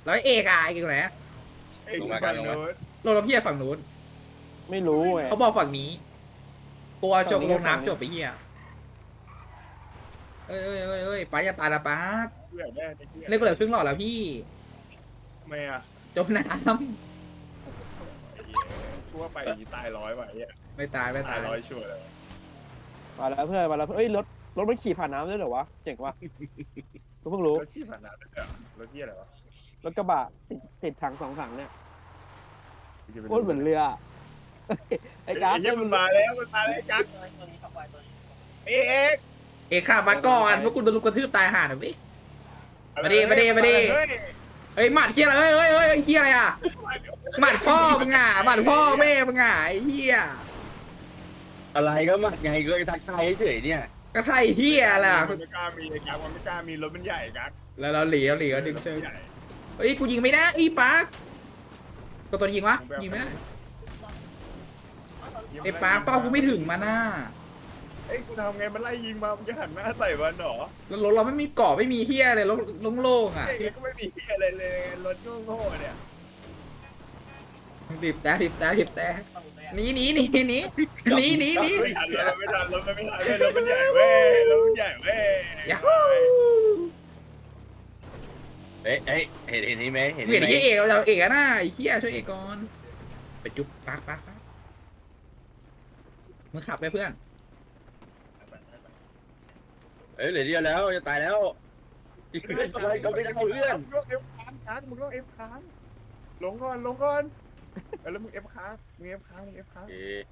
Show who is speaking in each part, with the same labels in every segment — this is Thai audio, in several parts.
Speaker 1: แล้วเอกอ่ะเอกอยู่ไหน
Speaker 2: ลงมากันลงมา
Speaker 1: ลงน้ำเพียฝั่งนู้น
Speaker 3: ไม่รู้ไง
Speaker 1: เขาบอกฝั่งนี้กลัวจม
Speaker 3: ฝั่งนี้
Speaker 1: ลง
Speaker 3: ฝั่งนี้
Speaker 1: น้ำจบไปเฮียเอ้ยป้าอย่าตายนะป้า
Speaker 2: เพื่อนแน่
Speaker 1: เล่นกูเหลือครึ่งหลอดแล้วพี่
Speaker 2: ทำไมอ่ะ
Speaker 1: จมน้
Speaker 2: กูว่าไปตาย100ว่ะไอ้เหี้ย
Speaker 1: ำไม่ตาย
Speaker 2: ตาย100ชัวร์เลย
Speaker 3: มาแล้วเพื่อนมาแล้วเอ้ยรถมันขี่ผ่านน้ำด้วยเหรอวะเจ๋งว่ะกูเพิ่งรู้
Speaker 2: รถที่ผ่านน้ำด้วยเหรอรถที่อะไรวะ
Speaker 3: รถกระบะติดถัง2 ถังเนี่ยโคตรเหมือนเรือไอ้ก๊าซ
Speaker 2: เหี้ยมันมาแล้วไอ้กั๊กเอ๊ะ
Speaker 1: เอกข้ามาก่อนพวกกูโดนลูกกระทืบตายห่าหน่อยพี่ มาดิ เฮ้ยหมัดเฮียอะไรเฮ้ยเฮียอะไรอ่ะหมัดพ่อมึงอ่ะหมัดพ่อแม่มึงอ่ะไอ้เฮีย
Speaker 4: อะไรก็มาไงก็ทักทายเฉยๆเนี่ย
Speaker 1: ก็ใช่เฮียล่ะ
Speaker 2: มันไม่กล้ามีไอ้กั๊กมันไม่กล้ามีรถมันใหญ่กั๊ก
Speaker 1: แล้วเราเหลียวดึงเชิงเฮ้ยกูยิงไม่ได้อีปาร์กก็ตัวยิงวะยิงไม่ได้ไอ้ปาร์กเป้ากูไม่ถึงมาหน้า
Speaker 2: เอ้ยกูทำไงมันไล่ยิงมามึงจะหันหน้าใส่มันเหรอ
Speaker 1: แล้วรถเราไม่มีเกาะไม่มีเฮียเลยรถโล่งๆอ่ะ
Speaker 2: ไอ้ก็ไม่มีอะไรเลยรถโง่ๆเนี่ย
Speaker 1: บีบแต่หนี
Speaker 2: ไม่ทันรถมันไม่ทันเว้ยรถมันใหญ่เว้ยรถมันใหญ่เว้ย
Speaker 1: ยา
Speaker 4: เอ้ยเห็นนี่ไหมเห็น
Speaker 1: เห็
Speaker 4: นี่
Speaker 1: น
Speaker 4: ไหม
Speaker 1: ไอ้เอกเราเอกอะหน้าไอ้เฮียช่วยเอกก่อนไปจุ๊บปาร์กมึงขับไปเพื่อน
Speaker 4: เอ้ยเหลือเดียวแล้วจะตายแล้วอะไรก็ไม่ได้เพื่อน
Speaker 2: มึงต้องเอฟค้างมึงต้องเอฟค้างลงก่อนแล้วมึงเอฟค้างมึงเอฟค้าง
Speaker 4: เอ๊ะ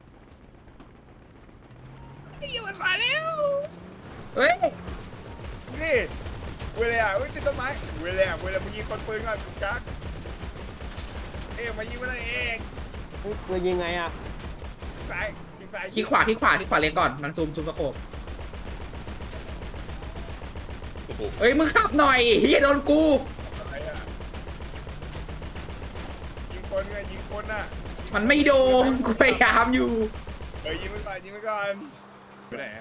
Speaker 2: มันมาแล้ว
Speaker 1: เฮ้ย
Speaker 2: นี่เวลาติดต้นไม้เวลามึงยิงคนปืนก่อนกั๊กเอ๊ะมายิงมันเอง
Speaker 3: ปืนยิงไงอ่ะ
Speaker 2: ซ้ายยิงซ้าย
Speaker 1: คลิกขวาเลนก่อนมันซูมสโคป
Speaker 4: โอ้โห
Speaker 1: เฮ้ยมึงขับหน่อยเฮียโดนกู
Speaker 2: อะไรอ่ะยิงคนไงยิงคนน่ะ
Speaker 1: มันไม่โดนกูพยายามอยู่
Speaker 2: ยิงไปก่อนไปไหน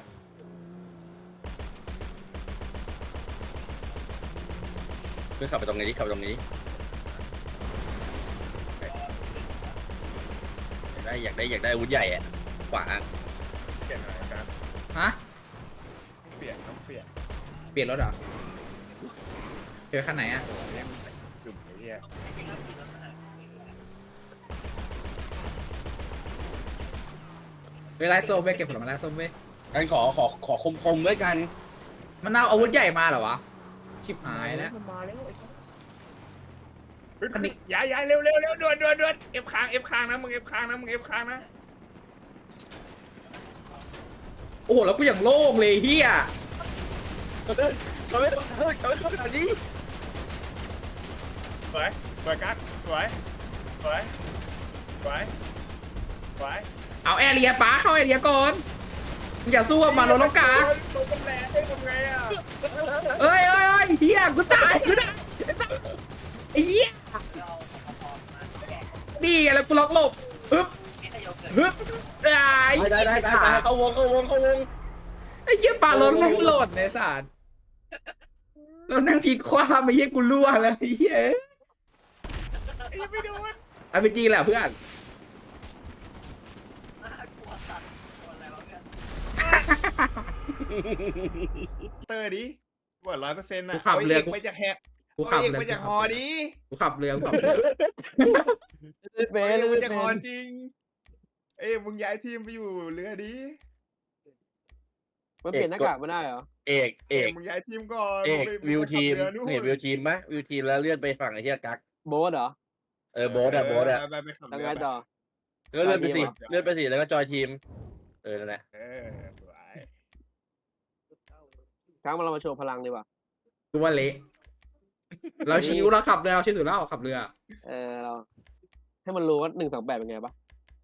Speaker 4: เพื่อนขับไปตรงนี้ขับไปตรงนี้อยากได้อาวุธใหญ่อะขวา
Speaker 2: เปลี่ยนอะไรกัน
Speaker 1: ฮะ
Speaker 2: เปลี่ยนต้องเปลี่ยน
Speaker 1: เปลี่ยนรถเหรอเปลี่ยนคันไหนอะ
Speaker 2: เนี่ยมันจุ่มไอ้เหี้ย
Speaker 1: เวลาส้มไปเก็บผลไม้ไล่ส้มไป
Speaker 4: กันขอคมๆด้วยกัน
Speaker 1: มันเอาอาวุธใหญ่มาเหรอวะชิบหายแล้ว
Speaker 2: มันมาแล้ว
Speaker 1: อันนี้
Speaker 2: ย้ายเร็วด่วนเอฟค้างนะมึงเอฟค้างนะ
Speaker 1: โอ้โหแล้วกูอย่างโล่งเลยเฮีย
Speaker 4: เราไม่ต้องขนาดนี้
Speaker 2: สวยกั๊กสวย
Speaker 1: เอาแอเรียป้าเข้าแอเรียก่อนมึงอย่าสู้กับมันรถต้องกลาง
Speaker 2: ตัวมันแรงได้ทำไงอ่ะ
Speaker 1: เอ้ยเฮียกูตายไอ้เหี้ยนี่ไงแล้วกูล็อกหลบฮึบไอ้
Speaker 4: ได้เข้าวง
Speaker 1: ไอ้เหี้ยปารถมันโหลดในสารเรานั่งพีคว้ามาเหี้ยกูรั่วแล้วไอ้เหี้ย
Speaker 2: ไม่โดน
Speaker 1: เอาไปจริงแหละเพื่อน
Speaker 2: เตอร์ดิว่า100%นะ
Speaker 1: กูขับเรือ
Speaker 2: ไปจากแฮก
Speaker 1: กูขับ
Speaker 2: เอก
Speaker 1: เรือ
Speaker 2: ไปจากฮอดิ
Speaker 1: กูขับเรือ
Speaker 3: เบ
Speaker 2: เอก
Speaker 3: น
Speaker 2: ไปจากฮอจริงมึงย้ายทีมไปอยู่เรือดิ
Speaker 3: มันเปลี่ยนหน้ากากไม่ได้เหรอ
Speaker 4: เอก
Speaker 2: มึงย้ายทีมก่อน
Speaker 4: วิวทีม
Speaker 2: เรือนู่น
Speaker 4: เห็นวิวทีมไหมวิวทีมแล้วเลื่อนไปฝั่งไอ้เหี้ยกั๊ก
Speaker 3: โบ๊ทเหรอ
Speaker 4: โบ๊ทอะ
Speaker 2: ไปขับ
Speaker 3: ทำ
Speaker 2: เรื
Speaker 3: ไง
Speaker 2: อ
Speaker 3: ต่อ
Speaker 4: ก็เลื่อนไปสิแล้วก็จอยทีมนั่นแหละ
Speaker 2: สวย
Speaker 3: ครั้งเรามาโชว์พลังดีกว่า
Speaker 1: กูว่าเละเราชิวเราขับเรือเราชิวสุดแล้วขับเรือ
Speaker 3: เราให้มันรู้ว่า128เป็นไงปะ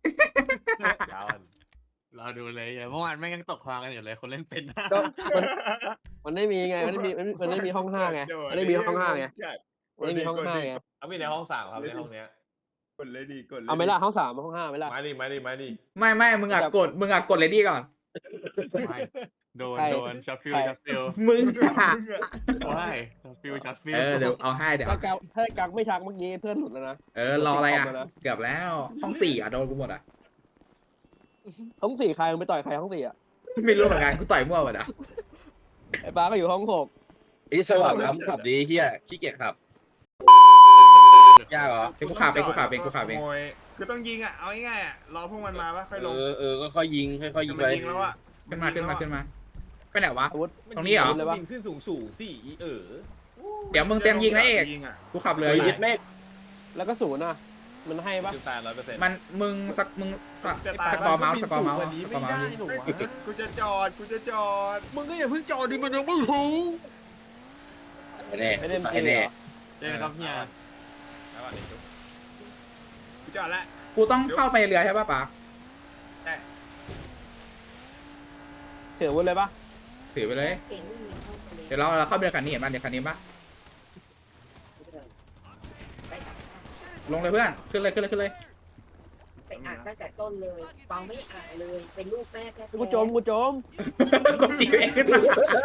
Speaker 5: เราดูเลยเมื่อวานแม่งยังตกคลางกันอยู่เลยคนเล่นเป็น
Speaker 3: ก็มันไม่มีไงมันไม่มีห้อง5ไงมันไม่มีห้อง5ไงมันไม่มีห้อง5ไง
Speaker 5: เขามีในห้อง3ครับในห้องเนี้ย
Speaker 2: กดเลยดี
Speaker 3: เอาไหม่ล่ะห้อง3ห้อง5ไหม่ล่ะ
Speaker 5: มาดิ
Speaker 1: ไม่มึงอ่ะกดเลยดีก่อน
Speaker 5: ไม่โดน
Speaker 3: ใคร
Speaker 5: โดนช็อตฟิล
Speaker 3: ใคร
Speaker 5: ช็อตฟิล
Speaker 1: มึง
Speaker 5: ว้ายช็อตฟิลช็อตฟิล
Speaker 1: เดี๋ยวเอาให้เดี๋ยว
Speaker 3: ถ้ากักไม่ทักเมื่อกี้เพื่อนหลุดแล้วนะ
Speaker 1: รออะไรอ่ะ
Speaker 3: ติดคอมแล้วนะ
Speaker 1: เกือบแล้วห้องสี่อ่ะโดนกูหมดอ่ะ
Speaker 3: ห้องสี่ใครมึงไปต่อยใครห้องสี่อ่ะ
Speaker 1: ไม่รู้เหมือนกันกูต่อยมั่วหมดอ่ะ
Speaker 3: ไอ้ป้าก็อยู่ห้องหก
Speaker 4: ไอ้สว่างน้ำขับดีเฮียขี้เกียจขับยากเหรอ
Speaker 1: เป็นกูขับเป็นกูขับเป็นกูขับเอง
Speaker 2: ขโมยคือต้องยิงอ่ะเอาง่ายๆอ่ะรอพวกมันมาปะค่อยลง
Speaker 4: ก็ค่อยยิงค่อยยิง
Speaker 2: มั
Speaker 4: ไป
Speaker 2: นยิงแล้วอ่ะ
Speaker 1: ขึ้นมาขึ้นมาขึ้นมาไปไหนวะ
Speaker 3: อาวุธ
Speaker 1: ตรงนี้เหรอ
Speaker 3: เลยปะ
Speaker 6: บินขึ้นสูงสิเออ
Speaker 1: เดี๋ยวมึงเตรียมยิงนะเอก
Speaker 2: ยิงอ่ะ
Speaker 1: กูขับเรือ
Speaker 4: เลย
Speaker 1: อยู่
Speaker 4: ยึดเมฆ
Speaker 3: แล้วก็ศูนย์อ่ะ มันให้ปะ
Speaker 6: จุดตาย100%
Speaker 1: มันมึงสกอร์เมาส์สกอร์เมาส์
Speaker 6: วันนี้
Speaker 1: สก
Speaker 6: ไม่
Speaker 1: อร์เมา
Speaker 6: ได้
Speaker 1: ส์
Speaker 6: หนูวะ
Speaker 2: กูจะจอด
Speaker 6: มึงก็อย่าเพิ่งจอดดิมันยังไม่รู้
Speaker 4: แน่
Speaker 3: ไม่ได้
Speaker 4: ไอ้
Speaker 3: เหร
Speaker 4: แน่
Speaker 3: อ
Speaker 5: เจอครับเฮีย
Speaker 2: กูจอดแล้ว
Speaker 1: กูต้องเข้าไปเรือใช่ป่ะปะ
Speaker 3: เถื่ออาวุธเลยปะ
Speaker 1: ถือไปเลย เดี๋ยวเราเข้าไปเรือคันนี้เห็นป่ะเดี๋ยวคันนี้ป่ะลงเลยเพื่อนขึ้นเลยขึ้นเลยขึ้นเลย
Speaker 7: ไปอ่านตั้งแต่ต้นเลยฟังไม่อ่านเลย เป็นลูกแม่แท้ๆ
Speaker 3: กูโจม
Speaker 1: กดจีเองขึ้นมา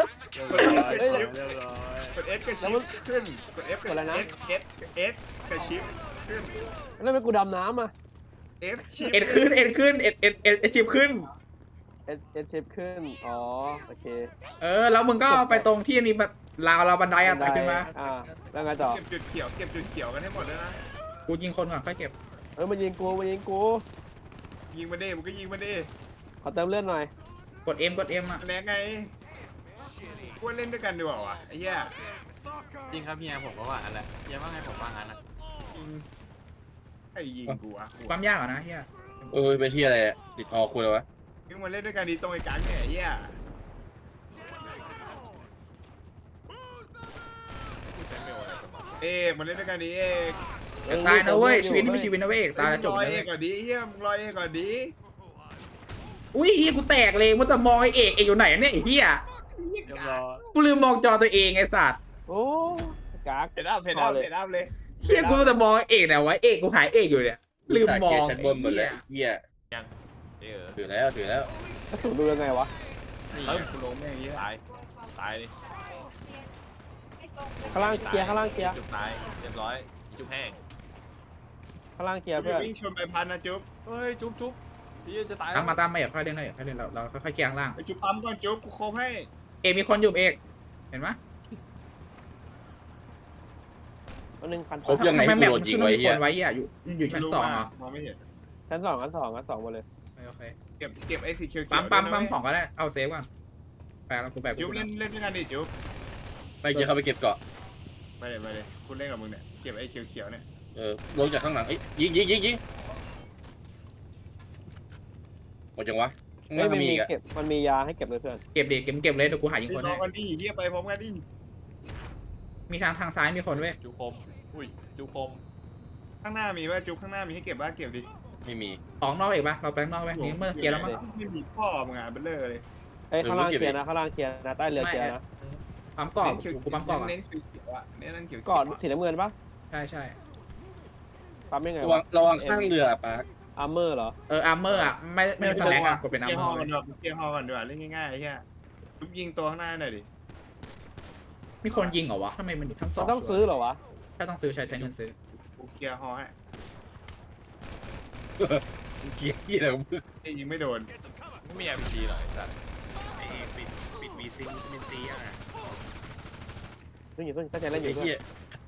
Speaker 2: กด S กระชิปขึ้นกด F กด S กระชิปขึ้น
Speaker 3: แล้วทำไมกูดำน้ำอ่ะ
Speaker 2: S ชิป
Speaker 1: เอ็ดขึ้นเอ็ดขึ้นเอ็ดชิปขึ้น
Speaker 3: เอเชฟขึ้น อ๋อ โอเค
Speaker 1: แล้วมึงก็ไปตรงที่มีแบบราวบันไดอะไต่ขึ้นมา
Speaker 3: อ่า แล้วไงต่อ
Speaker 2: เก็บจุดเขียวกันให้หมดเลยนะ
Speaker 1: กูยิงคนก่อนค่อยเก็บ
Speaker 3: มันยิงกู
Speaker 2: ยิงมาดิมึงก็ยิงมาดิ
Speaker 3: ขอเติมเลือดหน่อย
Speaker 1: กด M อ่ะ
Speaker 2: แหนไงกูเล่นด้วยกันดีกว่าวะไอ้เหี้ย
Speaker 5: จริงครับเฮียผมก็ว่างั้นแหละเฮียว่าไงผมว่างั้นนะ
Speaker 2: ยิงไอ้ยิงกูอ่ะ
Speaker 1: ความยากเหรอนะเฮีย
Speaker 4: เป็นที่อะไรติดคอคุยวะ
Speaker 2: ยิงมาเล่นด้วยกันดีตรงไอ้กังเนี่ยไอ้เหี้ยเอกมาเล่นด้วยกันดีเอก
Speaker 1: จะตายนะเว้ยชีวิตนี่ไม่ชีวิตนะเว้ยเอกตายแล้วจบ
Speaker 2: รอ
Speaker 1: นะ
Speaker 2: เอ
Speaker 1: เว้
Speaker 2: ก
Speaker 1: ย
Speaker 2: ก่อนดีเหี้ยมึงรอเอกก่อนดี
Speaker 1: อุ้ยเฮียกูแตกเลยมันจะมองไอเอกอยู่ไหนเนี่ยไอ้เฮีย
Speaker 3: เรียบร้อย
Speaker 1: กูลืมมองจอตัวเองไอ้สัตว์
Speaker 3: โอ้กัก
Speaker 2: เพดอัพเลย
Speaker 1: เฮียกูจะมองไอ้เอกไหนวะเอกกูหายเอกอยู่เนี่ยลืมมอง
Speaker 4: ชั้นบนหมดเลยเฮีย
Speaker 6: เออ
Speaker 4: ถือแล้ว
Speaker 3: กระสุนดูยังไงวะ
Speaker 2: นี่กูลงแม่งอย่างเงี้ย
Speaker 6: ตายดิ
Speaker 3: ข้างล่างเกียร์
Speaker 6: จุดตายเรียบร้อยจุดแห้ง
Speaker 3: ข้างล่างเกียร์
Speaker 2: กู
Speaker 3: เพื่อน
Speaker 2: วิ่งชนไปพันนะจุ๊บ
Speaker 6: เฮ้ยจุ๊บพี่จะตาย
Speaker 1: ตามมาอย่าค่อยเล่นนะอย่าค่อยเล่นเราค่อยๆเคียงล่าง
Speaker 2: ไปจุ๊บปั๊มก่อนจุ๊บกูโคบให้
Speaker 1: เอกมีคนอยู่เอกเห็นไหม
Speaker 3: วันหนึ่งพัน
Speaker 4: ครบยังไง
Speaker 1: ทำไมแมป
Speaker 4: โด
Speaker 1: มัน น
Speaker 4: ยิ
Speaker 1: ขึ้
Speaker 4: ง
Speaker 1: นว่า
Speaker 4: ไว้
Speaker 1: มี
Speaker 4: เฮี
Speaker 1: ค
Speaker 4: ย
Speaker 1: นไว้อ่ะอยู่ชั้นสองเหรอ
Speaker 2: มองไม่เห็น
Speaker 3: ชั้นสองหมดเลย
Speaker 1: โอเค
Speaker 2: เก็บไอ้สีเขียว
Speaker 1: ปั๊มของก็ได้เอาเซฟก่อนแปลแล้วกูแปลกู
Speaker 2: จุ๊บเล่นด้วยกันดิจุ๊บ
Speaker 4: ไปเจอเขาไปเก็บเกาะ
Speaker 2: ไปเลยกูเล่นกับมึงเนี่ยเก็บไอ้เขียวเนี่ย
Speaker 4: ลงจากข้างหลังยิงหมดจังวะ
Speaker 3: ไม่
Speaker 4: มี
Speaker 3: มี
Speaker 4: อีกอะ
Speaker 3: เก็บ มันมียาให้เก็บเลยเพื่อน
Speaker 1: เก็บดิเก็บเลยเดี๋ยวกูหายิง
Speaker 2: รี
Speaker 1: คน
Speaker 2: รอ
Speaker 1: ให้
Speaker 2: กันดิเฮียไปพร้อมกันดิ
Speaker 1: มีทางซ้ายมีคนเว้ย
Speaker 6: จุ๊บคมอุ้ยจุ๊บคม
Speaker 2: ข้างหน้ามีป่ะจุ๊บข้างหน้ามีให้เก็บป่ะเก็บดิ
Speaker 4: ไม่มี
Speaker 1: ออกนอกเอกปะเราไปข้างนอกไหมนี่เมื่อเคลียร์แล้วมั้ง
Speaker 2: ไม่มีพ่อมึงอ่ะเบลเลอร์เลย
Speaker 3: เอ้ยข้างล่างเกียร์นะใต้เรือเกียร์นะ
Speaker 1: ปั๊มกรอบกูปั๊มกรอบอ่ะ
Speaker 2: เน้นเขียวอ่ะเน้นเขียว
Speaker 3: ก่อนสีน้ำเงินปะ
Speaker 1: ใช่
Speaker 3: ปั๊มยังไง
Speaker 4: ระวังข้างเรือปาร์ค
Speaker 3: อาร์เมอร์เหรอ
Speaker 1: อาร์เมอร์อ่ะไม่เป็นสแลกอ่ะกดเป็นอาร์
Speaker 2: เกียร์
Speaker 1: เม
Speaker 2: ฮ
Speaker 1: อ
Speaker 2: อ
Speaker 1: ร์
Speaker 2: ก่อนด้วยเกียร์ฮอก่อนด้วยเล่นง่ายๆไอ้เหี้ยจุ๊บยิงตัวข้างหน้าหน่อยดิ
Speaker 1: มีคนยิงเหรอวะทำไมมันอยู่ทั้งสอง
Speaker 3: ต้องซื้อเหรอวะ
Speaker 1: ถ้าต้องซื้อใช้เงินซื้อ
Speaker 2: กูเกียร์ฮอให้
Speaker 4: เกียร์อะไรของมึง
Speaker 2: ยิงไม่โดน
Speaker 6: ไม่มี RPG หรอกไอ้สัตว์
Speaker 5: ปิดมีซิงมินซีอ่ะ
Speaker 3: เพิ่งตั้งใจเล่นอ
Speaker 4: ไอ้
Speaker 3: ยู่
Speaker 4: เหี้ย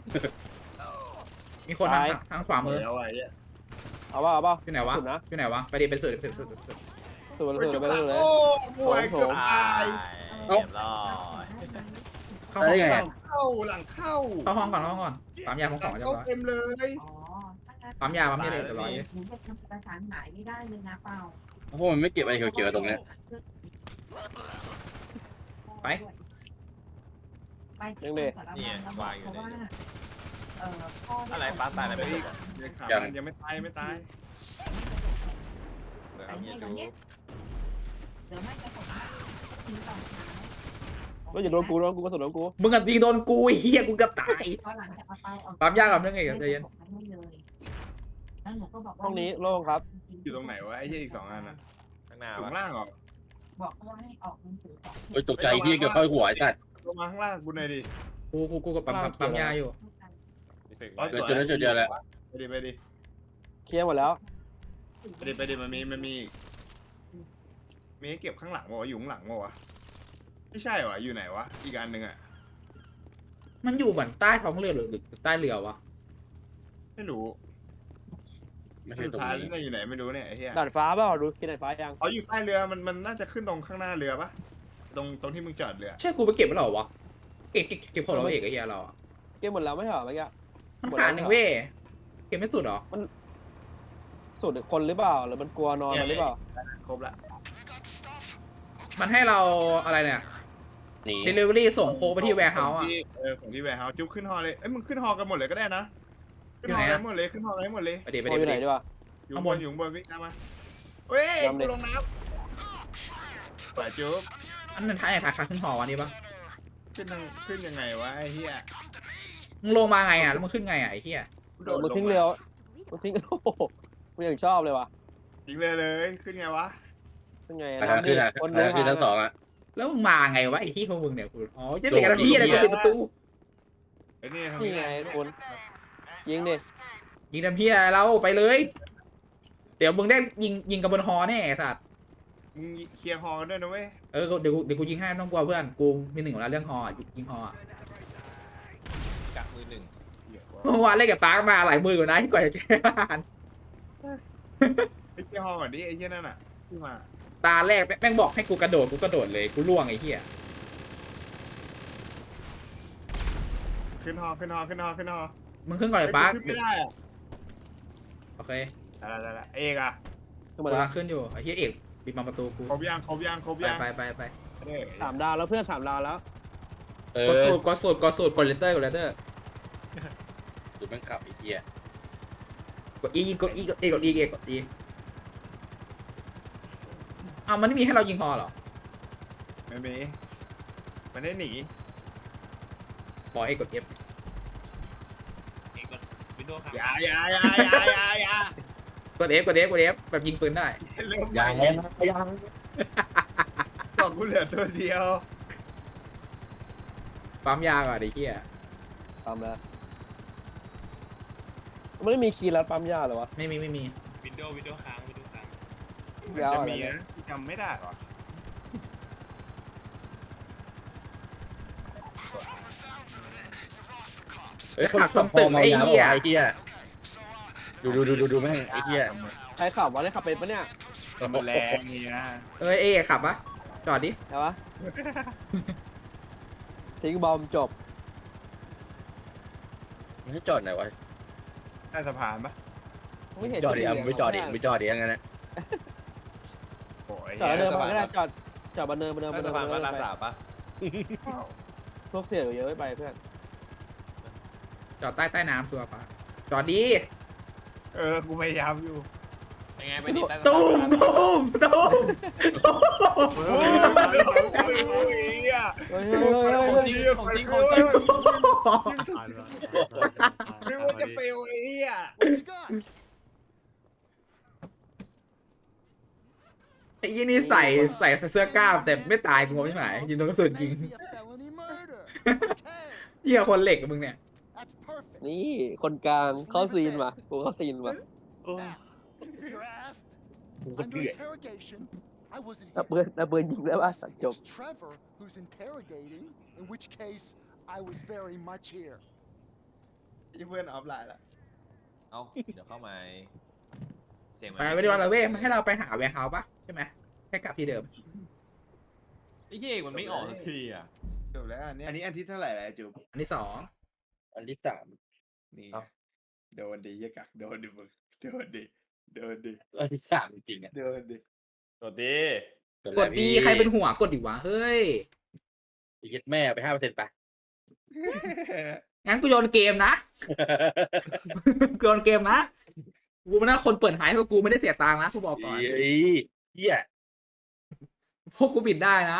Speaker 1: มีคนทางขวามือ
Speaker 2: แล้วไอ้เหี้ย
Speaker 3: เอาป่ะ
Speaker 1: อยู่ไหนวะ
Speaker 3: สุดนะ
Speaker 1: อยู่ไหนวะไปดิเป็นสุด
Speaker 3: สุด
Speaker 2: จุ๊บ
Speaker 3: ไป
Speaker 2: หลั
Speaker 3: เล
Speaker 2: ง
Speaker 3: ย
Speaker 2: โอ้ป่วยเกือบตาย
Speaker 6: เรียบร้อย
Speaker 1: เข้า
Speaker 4: ได้
Speaker 1: ห้อง
Speaker 4: ไง
Speaker 2: หลังเข้า
Speaker 1: เข้าห้องก่อนปั๊มยาของจะ
Speaker 2: เข้า
Speaker 1: ร้อย
Speaker 2: เต็มเลย
Speaker 7: อ๋อ
Speaker 1: ปั๊มยาเลยจะร้อย
Speaker 7: หนูจะทำประสานหมายไม่ได้เลยนะเปล่า
Speaker 4: เพราะมันไม่เก็บไอ้เขียวๆตรงเนี้ย
Speaker 1: ไป
Speaker 7: ไป
Speaker 6: เนี่ย วางอยู่
Speaker 7: เพราะ
Speaker 6: ใน
Speaker 7: ว่า
Speaker 6: นี้
Speaker 7: พ่อ
Speaker 6: อะไรปลาตายอะไรไม่รู้
Speaker 2: ยังไม่ตาย
Speaker 6: เดี๋ยวเอาเนี่ยดู
Speaker 7: เดี๋ยวไม่จะผมทิ้งต่อท้าย
Speaker 3: แล้วอย่าโดนกูกระสุนโดนกู
Speaker 1: มึงกับยิงโดนกูเฮียกูเกือบตาย
Speaker 7: เพราะหลังจากเอาไปออก
Speaker 1: ปั๊มยากับเรื่องไงใจเย็น
Speaker 7: แล้วหนูก็บอกว่า
Speaker 3: ห้องนี้โล่งครับ
Speaker 2: อยู่ตรงไหนวะไอ้เหี้ยอีก2 อันน่ะ
Speaker 6: ข้างหน้า
Speaker 2: อยู่
Speaker 6: วะ
Speaker 2: ข้างล่างเหรอ
Speaker 7: บอกเขาว่าให้ออกหนังสือก่อน
Speaker 4: โอ้ยตกใจที่เกือบเข้าหัวไอ้สัตว์
Speaker 2: ลงมาข้างล่างกูหน่อยดิ
Speaker 1: กูกับปั๊มยาอยู่
Speaker 4: เกิดจุดแล้วจุดเดียวแหละ
Speaker 2: ไปดิ
Speaker 3: เคลียร์หมดแล้ว
Speaker 2: ไปดิมันมีให้เก็บข้างหลังวะอยู่ข้างหลังวะไม่ใช่วะอยู่ไหนวะอีกอันหนึ่งอ่ะ
Speaker 1: มันอยู่เหมือนใต้ท้องเรือหรือใต้เรือวะ
Speaker 2: ไม่รู้
Speaker 4: ไม่ใช่
Speaker 2: สุด
Speaker 4: ตรง
Speaker 2: ท้าย
Speaker 4: นี้
Speaker 2: แล้วอยู่ไหนไม่รู้เนี่ยไอ้เหี้ย
Speaker 3: ดาดฟ้าเปล่าดูกินดาดฟ้ายัง
Speaker 2: อ๋ออยู่ใต้เรือมันน่าจะขึ้นตรงข้างหน้าเรือปะตรงที่มึงจอดเรือ
Speaker 1: ใช่กูไปเก็บไม่หรอวะเก็บของเราเอกไอ้เหี้ยเราอะ
Speaker 3: เก็บหมดแล้วไม่ใช่เหรอเมื่อกี้
Speaker 1: มันขาดหนึ่งเว้ยเก็บไม่สุดหรอ
Speaker 3: สุดคนหรือเปล่าหรือมันกลัวนอนมันหรือเปล่า
Speaker 2: ครบละ
Speaker 1: มันให้เราอะไรเนี่ย
Speaker 4: หนี
Speaker 1: delivery ส่งโค้กไปที่ warehouse อ่ะ
Speaker 2: ของที่แวร์เฮาส์จุ๊บขึ้นฮอเลยเอ้ยมึงขึ้นฮอกันหมดเลยก็ได้นะขึ้นฮอกันหมดเลยขึ้นฮอกันให้หมดเลย
Speaker 1: ไปดิไป
Speaker 3: โอ
Speaker 1: ดิ
Speaker 3: อยู่
Speaker 1: ไป
Speaker 3: ไหน
Speaker 1: ดิ
Speaker 3: ดีวะ
Speaker 2: อยู่ข้างบนวิ่งตามมาเฮ้ยกูลงน้ำปล่อยจุ๊บ
Speaker 1: อันนั้นท้ายถ่ายขาขึ้นหอวันนี้ปะ
Speaker 2: ขึ้นยังไงวะไอ้เหี้ย
Speaker 1: มึงลงมาไงอ่ะแล้วมึงขึ้นไงอ่ะไอ้เหี้ย
Speaker 3: มันทิ้งเรือมันทิ้งโอ้โหกูยังชอบเลยวะ
Speaker 2: ทิ้งเลยขึ้นไงวะ
Speaker 3: ยังไง
Speaker 4: ขาขึ้นอ่ะ
Speaker 3: คน
Speaker 4: ขาขึ้นทั้งสองอ่ะ
Speaker 1: แล้วมึงมาไงวะไอ้ที่พวกมึงเนี่ยกูอ๋อจะเป็นกันพี่อะไรกูปิดประตู
Speaker 2: ไอ้นี่ทาง
Speaker 3: นี่
Speaker 2: นี้
Speaker 3: ไงคนยิงดิ
Speaker 1: ยิงทำพี่อะไรเราไปเลย เดี๋ยวมึงได้ยิงกับบนฮอแน่ไอ้สัตว์
Speaker 2: มึงเคลียร์ฮอกันด้วยนะเว้ย
Speaker 1: เดี๋ยวกูยิงให้ไม่ต้องกลัวเพื่อนกูมีหนึ่งแล้วเรื่องฮอยิงฮอ
Speaker 6: กะมือหนึ่ง
Speaker 1: เมื่อวานเล่นกับปาร์คมาหลายมืออยู่นะที่กว่าจะแก้บ้าน
Speaker 2: ไปเคลียร์ฮอก่อนดิไอ้เหี้ยนั่นน่ะขึ้นมา
Speaker 1: ตาแรกแม่งบอกให้กูกระโดดเลยกูล่วงไอ้เหี้ย
Speaker 2: ขึ้นฮอ
Speaker 1: มึงขึ้นก่อนเลยปาร์ค
Speaker 2: ขึ้นไม่ได้อะ
Speaker 1: โอเค
Speaker 2: ได้เอกอะ
Speaker 3: ขึ้นมา
Speaker 1: กู
Speaker 3: แล้
Speaker 1: กำลั
Speaker 3: ว
Speaker 1: งขึ้นอยู่ไอ้เหี้ยเอกปิดมาประตูกู
Speaker 2: ครบยัง
Speaker 1: ไป
Speaker 2: เอ้ย
Speaker 3: 3 ดาวแล้วเพื่อน 3 ดาวแล้ว
Speaker 4: เอก
Speaker 1: ด
Speaker 4: อ
Speaker 1: สูตรกดเลตเตอร์
Speaker 4: จุดแม่งขับไอ้เหี้ย
Speaker 1: กด E อ้าวมันไม่มีให้เรายิงฮอเหรอ
Speaker 2: ไม่มีมันได้หนี
Speaker 1: บอกกด F
Speaker 5: เองก็วินโดว์ครับ
Speaker 2: อย่าก
Speaker 1: ด F แบบยิงปืนได้
Speaker 2: เริ่มให
Speaker 4: ยั
Speaker 2: ม่
Speaker 4: งยัง
Speaker 2: บอกกูเหลือตัวเดียว
Speaker 1: ปั๊มยาก่อนไอ้เหี้ย
Speaker 3: ปั๊มแล้วมันไม่มีคีย์ลัดปั๊มยาเหรอวะ
Speaker 1: ไม่มี
Speaker 5: วินโดว์ค้าง
Speaker 2: มันจะมีนะจำไม่ได้หรอ
Speaker 4: เฮ้ยคนขับพอเมายาบอกไอ้เหี้ยดูแม่งไอ้เหี้ย
Speaker 3: ใครขับวะได้ขับเป็นปะเนี่ย
Speaker 2: มันแรงนี่นะ
Speaker 1: ขับปะจอดดิ
Speaker 3: ใช่ปะทิ้งบอมจบ
Speaker 4: มันให้จอดไหนวะ
Speaker 2: ใต้สะพานปะ
Speaker 3: ไม่เห็น
Speaker 4: จอดดิ
Speaker 3: จะ
Speaker 4: เอาไม่จอดดิไม่จอดดิงั้นนะ
Speaker 2: โอ้ย
Speaker 3: จอดแล้วเดินมาก็ได้จอดบันเดิน
Speaker 6: ใต้สะพานบ้านนาสาปะ
Speaker 3: พวกเสี่ยวเยอะไม่ไปเพื่อน
Speaker 1: จอดใต้น้ำชัวร์ปะจอดดิ
Speaker 2: กูพยายามอยู่
Speaker 6: ยังไงไปดิใต้สะพาน
Speaker 1: ตูม
Speaker 2: โอ้ยอ่ะ
Speaker 3: เฮ้ย
Speaker 2: ของจริงไม่ว่าจะเฟลไอ้เหี้ย
Speaker 1: ไอ้ยี่นี่ใส่เสื้อกล้ามแต่ไม่ตายกูงงใช่ไหมยิงโดนกระสุนยิงเหี้ยคนเหล็กกับมึงเนี่ย
Speaker 3: นี่คนกลางเข้าซีนมากูเข้าซีนมา
Speaker 4: กูก็เดือด
Speaker 3: นับเบิร์นยิงแล้วว่าสัตว์จบ
Speaker 8: Trevor who's interrogating, in which case I was very much here.
Speaker 2: เพื่อนออฟไลน์ละ
Speaker 6: เอ้าเดี๋ยวเข้ามาเสียง
Speaker 1: ไปไม่ได้ว่าเราเว้ยมันให้เราไปหาแวร์เฮาส์ปะใช่ไหมแค่กลับที่เดิม
Speaker 6: ไอ้เหี้ยมันไม่ออกสักทีอ่ะ
Speaker 2: จบแล้วอันนี้อันที่เท่าไหร่แล้วจุ๊บ
Speaker 1: อันที่ 2
Speaker 4: อันที่สาม
Speaker 2: นี่
Speaker 4: เอ้า
Speaker 2: โดนดิยกักโดนดิมึงโดนดิ
Speaker 4: อันที่สามจริงๆอ่ะ
Speaker 2: โดนดิ
Speaker 6: กดดิ
Speaker 1: กดดีใครเป็นหัวกดดิวะเฮ้ย
Speaker 4: ยึดแม่ไป5%ไป
Speaker 1: งั้นกูโยนเกมนะ กูโยนเกมนะกูไม่น่าคนเปิดหายเพราะกูไม่ได้เสียตังค์นะกูบอกก่อน
Speaker 4: เหี้ย
Speaker 1: พวกกูบิดได้นะ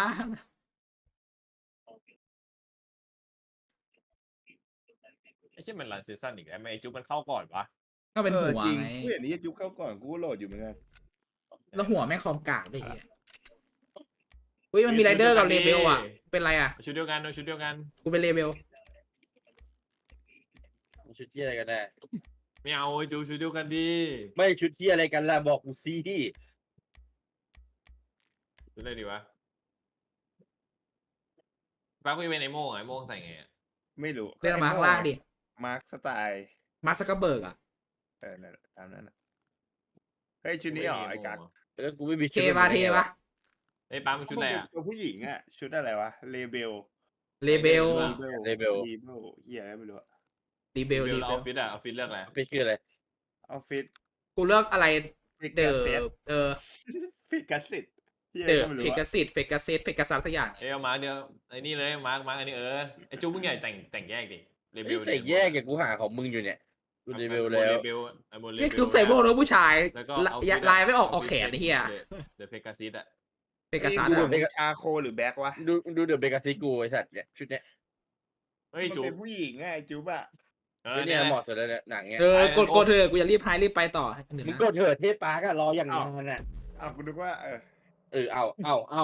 Speaker 6: ไอ้เช่นมันรันซีซั่นอีกแล้วไอ้จุ๊บมันเข้าก่อนวะ
Speaker 1: ก็เป็นหัว
Speaker 2: จริง
Speaker 1: ไง
Speaker 2: กูเห็นนี่จุ๊บเข้าก่อนกูก็โหลดอยู่เหมือนกัน
Speaker 1: แล้วหัวแม่งคอมกากด้วยเหี้ยอุ้ยมันมีไรเดอร์กับเลเบลอ่ะเป็นไรอ่ะ
Speaker 6: ชุดเดียวกันชุดเดียวกัน
Speaker 1: กูเป็นเลเบล
Speaker 4: ชุดที่อะไรกันแน่
Speaker 6: ไม่เอาไอ้จูชุดเดียวกันดี
Speaker 4: ไม่ชุดที่อะไรกันล่ะบอกกูสิ
Speaker 6: ชุดอะไรดีวะป้ากูจะเป็นไอ้โม่งไอ้โม่งใส่ไงอะ
Speaker 2: ไม่รู้
Speaker 1: เล่นมาข้างล่างดิ
Speaker 2: มาร์คสไตล์
Speaker 1: มาร์คซักเกอร์เบิร์กอ่ะ
Speaker 2: นั่นแหละตามนั้นนะเฮ้ยชุดนี้เหรอไอ้กั๊ก
Speaker 4: แล้วกูไม่มี
Speaker 1: เทปะเทปะ
Speaker 6: ไอ้ป้ามันชุดอะไรอะ
Speaker 2: ตัวผู้หญิงอ่ะชุดอะไรวะเลเบล
Speaker 1: เลเบล
Speaker 4: เลเบล
Speaker 2: เฮียอะไรไม่รู้อะ
Speaker 1: รีเบล
Speaker 6: เบล
Speaker 1: รี
Speaker 6: แล้ว
Speaker 1: เบ
Speaker 6: อ
Speaker 1: ล
Speaker 6: อฟฟิศอะออฟฟิศเลือกอะไร
Speaker 4: ไม่ชื่ออะไร
Speaker 2: ออฟฟิศ
Speaker 1: กูเลือกอะไร
Speaker 2: ฟิก
Speaker 1: เด
Speaker 2: กา
Speaker 1: อ
Speaker 2: เซ็ต
Speaker 1: ฟิก
Speaker 2: กาซิตเฮีย
Speaker 1: เดอ
Speaker 2: ก็ไม่รู้
Speaker 1: เพกา
Speaker 2: อะ
Speaker 1: ซิตเพกาเซตเพกาซัสสักอย่าง
Speaker 6: เอามาร์กเดียวไอ้นี่เลยมาร์กอันนี้ไอ้จูมึงใหญ่แต่งแยกดิเลเบล
Speaker 4: แต่แยกกับกูหาของมึงอยู่เนี่ยกูเลเบลแล้ว
Speaker 6: เลเบลไอ้โมเลเบล
Speaker 1: นี่คือใส่โม่แล้วผู้ชาย
Speaker 6: แล้วก็
Speaker 1: ลายไม่ออกแขนไอ้เหี้ย
Speaker 6: เดอะเพกาซิสอะ
Speaker 1: เพกาซัส
Speaker 2: นี่
Speaker 1: อ่ะ
Speaker 2: ดูชาโคหรือแบ็ควะ
Speaker 4: ดูเดอะเบกาซิกูไอสัตว์เนี่ยชุดเนี้ย
Speaker 6: เฮ้ย
Speaker 2: มัน
Speaker 6: จู
Speaker 2: เป็นผู้หญิงไงจุ๊บอะ
Speaker 4: เนี่ยเหมาะสุดแล้วเนี่ยหนังเนี่ย
Speaker 1: กดเถอะกูจะรีบพายรีบไปต่อหนึ่ง
Speaker 4: มึง
Speaker 1: นะ
Speaker 4: ก็เถิดเทปปาร์กอะรออย่างนานน่ะ
Speaker 2: อ้าวกูนึกว่า
Speaker 4: เอา
Speaker 2: เอา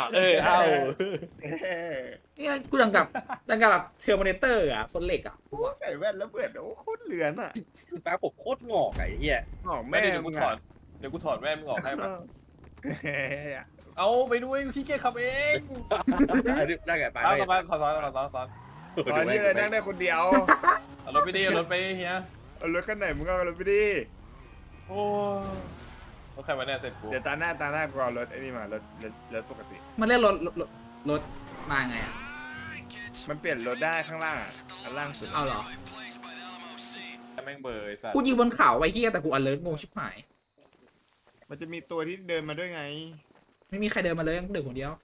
Speaker 1: เนี่ยกูดังกับแบบเทอร์มินเตอร์อ่ะคนเหล็กอ่ะ
Speaker 2: ใส่แว่นแล้วเปิดโอ้โคตรเหลือนอ่ะ
Speaker 4: ปาร์กผมโคตรงอกไอ้เหี้ย
Speaker 2: หอก
Speaker 6: แม่
Speaker 2: แม่
Speaker 6: เดี๋ยว
Speaker 2: มึ
Speaker 6: กู
Speaker 2: ง
Speaker 6: ถอ
Speaker 2: อะ
Speaker 6: ดเดี๋ยวกูถอดแว่นมึงออกให้มา
Speaker 2: เฮ้ย
Speaker 6: เอาไปด้วยขี้เกียจขับเอง
Speaker 4: ได้ไงปาร์ก
Speaker 6: เอามาขอซ้อน
Speaker 2: ตอนนี้เลยนั่งได้คนเดียว
Speaker 6: เอารถไปดิเอารถไปเฮีย
Speaker 2: เอารถคันไหนมึงก็เอารถไปดิ
Speaker 6: โอ้รถใครมาเนี่ยเสร็จกู
Speaker 2: เดี๋ยวตาหน้ากูเอารถไอ้นี่มารถปกติ
Speaker 1: มันเรียกรถมาไงอ่ะ
Speaker 2: มันเปลี่ยนรถได้ข้างล่างอ่ะอันล่างสุด
Speaker 1: เอาเหรอ
Speaker 6: แม่งเบอร์ไอ้สัต
Speaker 1: กู
Speaker 6: ว์
Speaker 1: ยิงบนเขาไอ้เหี้ยแต่กูอเลิร์งงชิบหาย
Speaker 2: มันจะมีตัวที่เดินมาด้วยไง
Speaker 1: ไม่มีใครเดินมาเลยกูเดินคนเดียว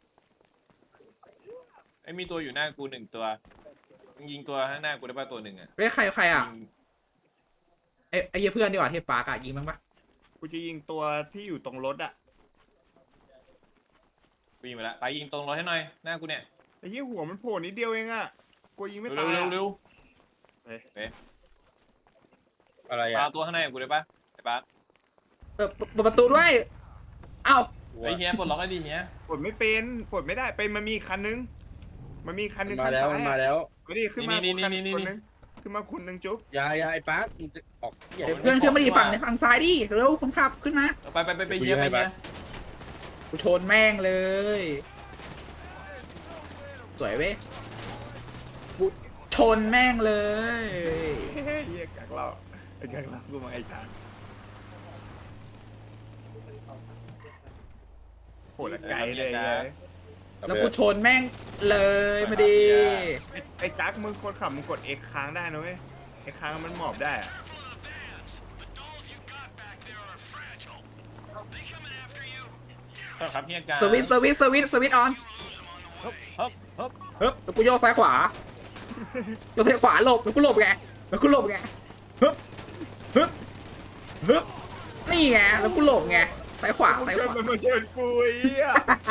Speaker 6: ไอ้มีตัวอยู่หน้ากู1ตัวมึงยิงตัวข้างหน้ากูได้ป่ะตัวหนึ่งอะ
Speaker 1: เฮ้ยใครอ่ะไอ้เหี้ยเพื่อนดีกว่าเทปปาร์กอ่ะยิงมั้งปะ
Speaker 2: กูจะยิงตัวที่อยู่ตรงรถอ่ะ
Speaker 6: กูยิงไปละไปยิงตรงรถให้หน่อยหน้ากูเนี่ย
Speaker 2: ไอ้เหี้ยหัวมันโผล่นิดเดียวเองอ่ะกูยิงไม่
Speaker 6: เร็
Speaker 2: ตา
Speaker 6: วย
Speaker 2: อะ
Speaker 6: เร็ว
Speaker 4: อะไร
Speaker 6: ปา
Speaker 4: อ่ะ
Speaker 6: ตัวข้างในกูได้ป่ะไอ้ป้า
Speaker 1: เปิดประตูด้วยเอ้า
Speaker 6: ไอ้เฮียปลดล็อกให้ดีเฮีย
Speaker 2: ปลดไม่เป็นปลดไม่ได้เป็นมันมีคันนึงมันมีคันนึง
Speaker 4: มา
Speaker 2: คัน
Speaker 4: แล้ว
Speaker 2: ซ้าย
Speaker 4: มา
Speaker 2: อะ
Speaker 4: แล้ว
Speaker 2: มาดิขึ้นมาคนนึงขึ้นมาคนนึงจุ๊บ
Speaker 4: ยายไอ้ปาร์กมึงจะออกเหี้ย
Speaker 1: เพื่อนขึ้นมาดิฝั่งซ้ายดิเร็วคนขับขึ้นมา
Speaker 6: ไปเฮียไปเฮีย
Speaker 1: กูชนแม่งเลย สวยเว้ยกูชนแม่งเลย
Speaker 2: เฮียกักเราไอ้กักเรากูมาไอ้กักโหละไกลเลย
Speaker 1: แล้วกูชนแม่งเลยมาดี
Speaker 2: ไอ้กักมึงคนขับมึงกด X ค้างได้นะเว้ย X ค้างมันหมอบได้อะ
Speaker 6: ครับเฮียการ
Speaker 1: สวิตช์ออน
Speaker 6: ฮึบ
Speaker 1: แล้วกูโยกซ้ายขวาโยกซ้ายขวาหลบแล้วกูหลบไงฮึบนี่ไงแล้วกูหลบไงซ้ายขวา
Speaker 2: มึงชนมันมาชนกูไอ้เหี้ย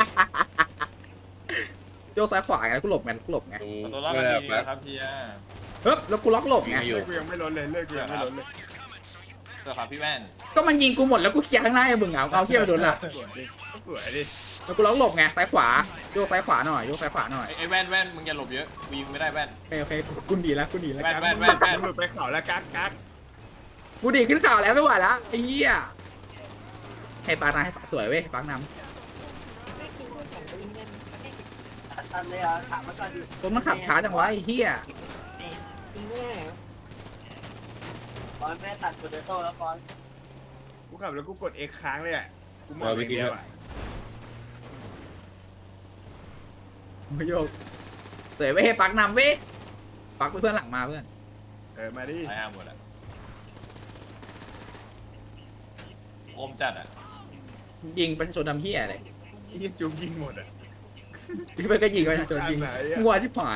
Speaker 1: โยกซ้ายขวาไงแล้วกูหลบไง
Speaker 6: ตัวล็อกกันดีนะครับเฮีย
Speaker 1: ฮึบแล้วกูล็อกหลบไง
Speaker 2: เลิกกูยังไม่ล้นเลยเลิกกูยังไม่ล้นเลย
Speaker 6: ตัวครับพี่แว่น
Speaker 1: ก็มันยิงกูหมดแล้วกูเคลียร์ข้างหน้าให้มึงเอาเทียบไปโดนละ
Speaker 2: สวยดิ
Speaker 1: แล้วกูล็อกหลบไงซ้ายขวาโยกซ้ายขวาหน่อย
Speaker 6: ไอ้แว่นมึงอย่าหลบเยอะกูยิงไม่ได้แว่น
Speaker 1: โอเคกูหนีแล้ว
Speaker 6: แว่น
Speaker 2: มึงหลุดไปเขาแล้วกัก
Speaker 1: กูดีขึ้นข่าวแล้วไม่ไหวแล้วไอ้เหี้ยให้ปาร์นะให้สวยเว้ยปาร์น
Speaker 7: ไม่คิดว่าของตัวเองเงินมันได้
Speaker 3: ตันเลยอ่ะถามมาก่อนดิ
Speaker 1: ำรถมันขับช้าจังวะไอ้เหี้ย
Speaker 7: จริงไม่ได้เหรอ
Speaker 3: ฟอนแม่ตัดโปเตโต้แล้วฟอน
Speaker 2: กูขับแล้วกูกด X ค้างเลยอ่ะกูหมอบอย่างเดียวอ่ะ
Speaker 1: ไม่โยกสวยเว้ยปักนำเว้ยปักเพื่อนหลังมาเพื่อน
Speaker 2: มาดิ
Speaker 6: ไอ้ห้าหมดอะโอมจัดอะ
Speaker 1: ยิงประชาชนดำเหี้ยเลย
Speaker 2: ยี่จุ๊บยิงหมดอ่ะ
Speaker 1: ที่เพื่อนก็ยิงประชาชนยิง
Speaker 2: ไหนอ่ะ
Speaker 1: งัวชิบหาย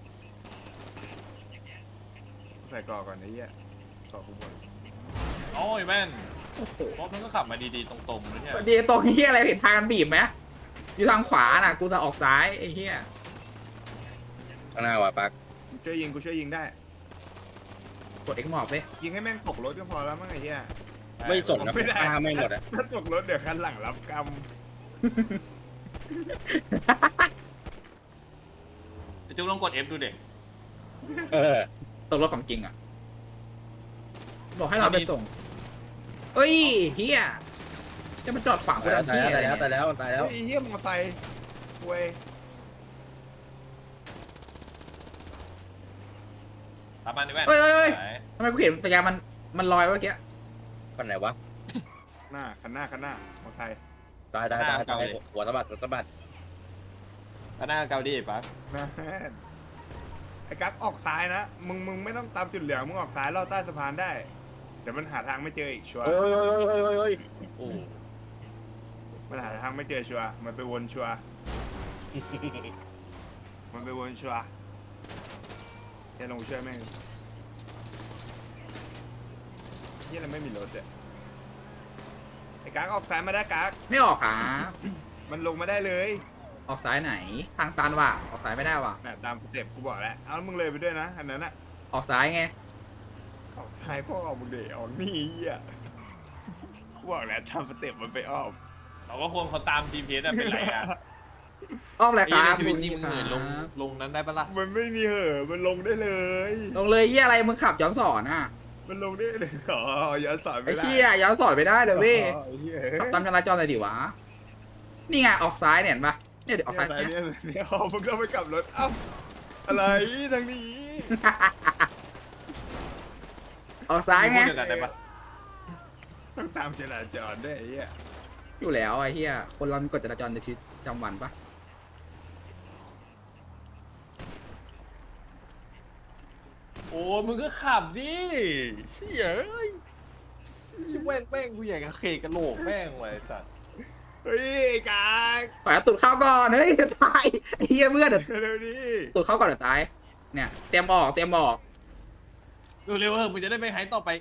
Speaker 2: ใส่กรอกก่อนไอ้เหี้ยกรอกกูหมด
Speaker 6: โอ้ยแว่น
Speaker 1: โอ้โห
Speaker 6: รถมันก็ขับมาดีๆตรงๆเลยเนี่ย
Speaker 1: ดีตรงเหี้ยอะไรเห็นทางกันบีบไหมอยู่ทางขวาน่ะกูจะออกซ้ายไอ้เหี้ย
Speaker 4: ข้างหน้าว่ะปาร์ก
Speaker 2: กูช่วยยิงได้
Speaker 1: กดเอ็กหมอบเว้ย
Speaker 2: ยิงให้แม่งตกรถก็พอแล้วมั้งไอ้เหี้ย
Speaker 4: ไม่สนนะ
Speaker 2: ไม่ได้
Speaker 4: ฆ่าไม่หมดอ่ะ
Speaker 2: ถ้าตกรถเดี๋ยวคันหลังรับกรรม
Speaker 6: ไอ้จุ๊บลองกด F ดูเด็ก
Speaker 4: เออ
Speaker 1: ตกรถของจริงอ่ะบอกให้เราไปส่งเอ้ยเฮียจะมาจอดฝังกู
Speaker 4: ตาย
Speaker 1: ทำที่อะไร
Speaker 4: แล้ว
Speaker 1: เนี่ย
Speaker 4: ตายแล้วตายแล้ว
Speaker 2: เฮ้ยไอ้เฮียมอไซค์เว้ย
Speaker 6: ตามมาดิแว่น
Speaker 1: เฮ้ยเฮ้ยเฮ้ย
Speaker 6: ไหน
Speaker 1: ทำไมกูเห็นสัญญาณมันลอยเมื่อกี้
Speaker 4: คนไหนวะ
Speaker 2: คันหน้ามอไซค์
Speaker 4: ตายหัวสะบัดหัวสะบัด
Speaker 6: ก็หน้าเกาดีปั๊บ
Speaker 2: นั่นไอ้กั๊กออกซ้ายนะมึงไม่ต้องตามจุดเหลืองมึงออกซ้ายลอดใต้สะพานได้เดี๋ยวมันหาทางไม่เจออีกชัวร์
Speaker 4: เฮ้ยโอ้
Speaker 2: มันหาทางไม่เจอชัวร์มันไปวนชัวร์มันไปวนชัวร์จะลงช่วยแม่งเฮียเราไม่มีรถเลยไอ้กั๊กออกซ้ายมาได้กั๊ก
Speaker 1: ไม่ออกอ่ะ
Speaker 2: มันลงมาได้เลย
Speaker 1: ออกซ้ายไหนทางตันว่ะออกซ้ายไม่ได้ว่ะ
Speaker 2: น่ะตามสเต็ปกูบอกแล้วเอามึงเลยไปด้วยนะอันนั้นอะ
Speaker 1: ออกซ้ายไง
Speaker 2: ออกซ้ายพ่อออกมึงเดออกนี่เหี้ยกูบอกแล้วตามสเต็ปมันไปอ้อม
Speaker 6: เราก็ควรเขาตาม GPS อะเป็นไรอะ
Speaker 1: อ้อมเลย
Speaker 6: ไอ้
Speaker 1: ค
Speaker 6: เหี้ย
Speaker 1: รับ
Speaker 6: ในชีวิตจริงมึงเหนื่อยลงนั้นได้ปะล่ะ
Speaker 2: มันไม่มีเหอะมันลงได้เลย
Speaker 1: ลงเลยเฮียอะไรมึงขับย้อนสอนอ่ะ
Speaker 2: มันลงได้เลยอ๋อย้อนสอน
Speaker 1: ไอ้
Speaker 2: ไม่ได้
Speaker 1: เฮียย้อนสอนไม่ได้เลยเว้ย
Speaker 2: อ๋อไอ้เหี้ย
Speaker 1: ขับตามจราจรหน่อยดิวะนี่ไงออกซ้ายเนี่ยเห็นปะเนี่ยเดี๋ยวออกซ้าย
Speaker 2: เนี่ยอ๋อมึงต้องไปกลับรถเอ้าอะไรทางนี้
Speaker 1: ออกซ้ายไง
Speaker 6: พูดเดียวกันได้ปะ
Speaker 2: ต้องตามจราจรด้วยไอ้เหี้ย
Speaker 1: อยู่แล้วไอ้เฮียคนเรามีกฎจราจรในชีวิตประจำวันปะ
Speaker 6: โอ้มึงก็ขับดิเฮ้ยเอ้ยแว่นแม่งกูอยากจะเคกระโหลกแม่งไว้ไอ้สัตว์
Speaker 2: เฮ้ยไอ้กาก
Speaker 1: ปล่อยเอาตูดเข้าก่อนเฮ้ยเดี๋ยวตายไอ้เฮียเพื่อนเดี๋ยว
Speaker 2: เร็วดิ
Speaker 1: ตูดเข้าก่อนเดี๋ยวตายเนี่ยเตรียมออกเตรียมออก
Speaker 6: เร็วๆเถอะมึงจะได้ไม่หายต่อไป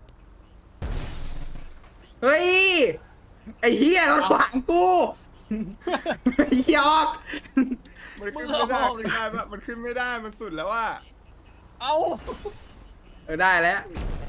Speaker 1: เฮ้ยไอ้เฮียรถขวางกูไอ้เฮียออก
Speaker 2: มันขึ้นไม่ได้มันขึ้นไม่ได้มันสุดแล้วว่า
Speaker 6: เอ้า
Speaker 1: ได้แล้ว